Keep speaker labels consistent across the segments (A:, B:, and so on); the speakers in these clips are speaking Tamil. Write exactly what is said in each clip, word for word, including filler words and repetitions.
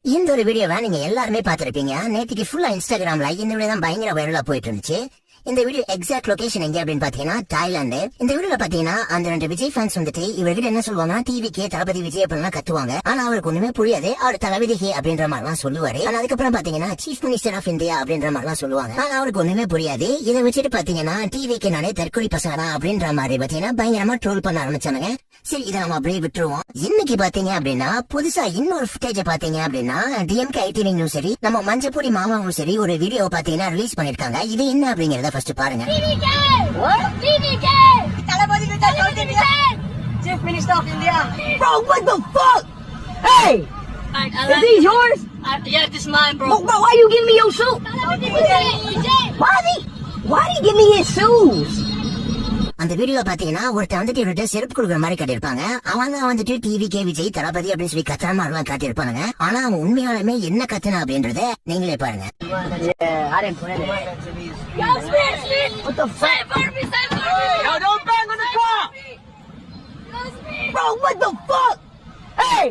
A: இந்த ஒரு வீடியோவை நீங்க எல்லாருமே பாத்திருப்பீங்க. நேற்றுக்கு ஃபுல்லா இன்ஸ்டாகிராம்ல இந்த வீடியோ தான் பயங்கர வைரலா போயிட்டு இருந்துச்சு. இந்த வீடியோ எக்ஸாக்ட் லொகேஷன் எங்க அப்படின்னு பாத்தீங்கன்னா தாய்லாந்து. இந்த வீடியோல பாத்தீங்கன்னா அந்த ரெண்டு விஜய் ஃபேன்ஸ் வந்துட்டு இவர்கிட்ட என்ன சொல்லுவாங்கன்னா டிவிக்கே தளபதி விஜய் அப்படின்னு கத்துவாங்க. ஆனா அவருக்கு ஒண்ணுமே புரியாது. அவர் தளபதிக்கு அப்படின்ற மாதிரி எல்லாம் சொல்லுவாரு. ஆனா அதுக்கப்புறம் பாத்தீங்கன்னா சீஃப் மினிஸ்டர் ஆஃப் இந்தியா அப்படின்ற மாதிரி எல்லாம் சொல்லுவாங்க. ஆனா அவருக்கு ஒண்ணுமே புரியாது. இதை வச்சுட்டு பாத்தீங்கன்னா டிவிக்கு நானே தற்கொலை பசங்க தான் அப்படின்ற மாதிரி பாத்தீங்கன்னா பயங்கரமா ட்ரோல் பண்ண ஆரம்பிச்சாங்க. சரி இதை நம்ம அப்படியே விட்டுருவோம். இன்னைக்கு பாத்தீங்க அப்படின்னா புதுசா இன்னொரு ஃபுட்டேஜ் பாத்தீங்க அப்படின்னா டிஎம்கே ஐடிவிங்கும் சரி நம்ம மஞ்சப்பொடி மாமாவும் சரி ஒரு வீடியோ பாத்தீங்கன்னா ரிலீஸ் பண்ணிருக்காங்க. இது என்ன அப்படிங்கறத ஃபர்ஸ்ட் பாருங்க.
B: Chief Minister of India. Bro, what the fuck? Hey! Is this yours?
C: Uh, yeah, this is mine, bro.
B: Bro, bro, why you give me your shoe? Why did he, why did he give me his shoes?
A: அந்த வீடியோ பாத்தீங்கன்னா ஒருத்தர் வந்துட்டு இவர்கிட்ட செருப்பு கொடுக்குற மாதிரி காட்டியிருப்பாங்க. அவங்க வந்துட்டு டிவி கே விஜய் தளபதி அப்படின்னு சொல்லி கத்துற மாதிரி எல்லாம் காட்டியிருப்பாங்க. ஆனா அவன் உண்மையாலுமே என்ன கத்துனா அப்படின்றத நீங்களே பாருங்க.
B: Yeah, I didn't plan it.
C: Yo, Smith, Smith.
B: What the fuck?
C: Save Barbie, save Barbie.
B: Yo, don't bang on the car!
C: Yo, Smith.
B: Bro, what the fuck? Hey!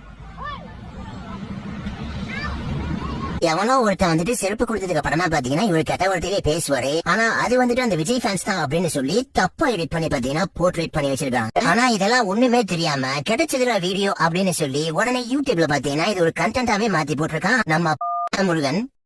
A: எவனோ ஒருத்தன் வந்துட்டு செருப்பு கொடுத்ததுக்கு அப்புறமா பாத்தீங்கன்னா இவர் கெட்ட வார்த்தையிலே பேசுவாரு. ஆனா அது வந்துட்டு அந்த விஜய் ஃபேன்ஸ் தான் அப்படின்னு சொல்லி தப்பா எடிட் பண்ணி பாத்தீங்கன்னா போர்ட்ரேட் பண்ணி வச்சிருக்காங்க. ஆனா இதெல்லாம் ஒண்ணுமே தெரியாம கிடைச்சதுல வீடியோ அப்படின்னு சொல்லி உடனே யூடியூப்ல பாத்தீங்கன்னா இது ஒரு கண்டென்ட்டாவே மாத்தி போட்டிருக்கான் நம்ம முருகன்.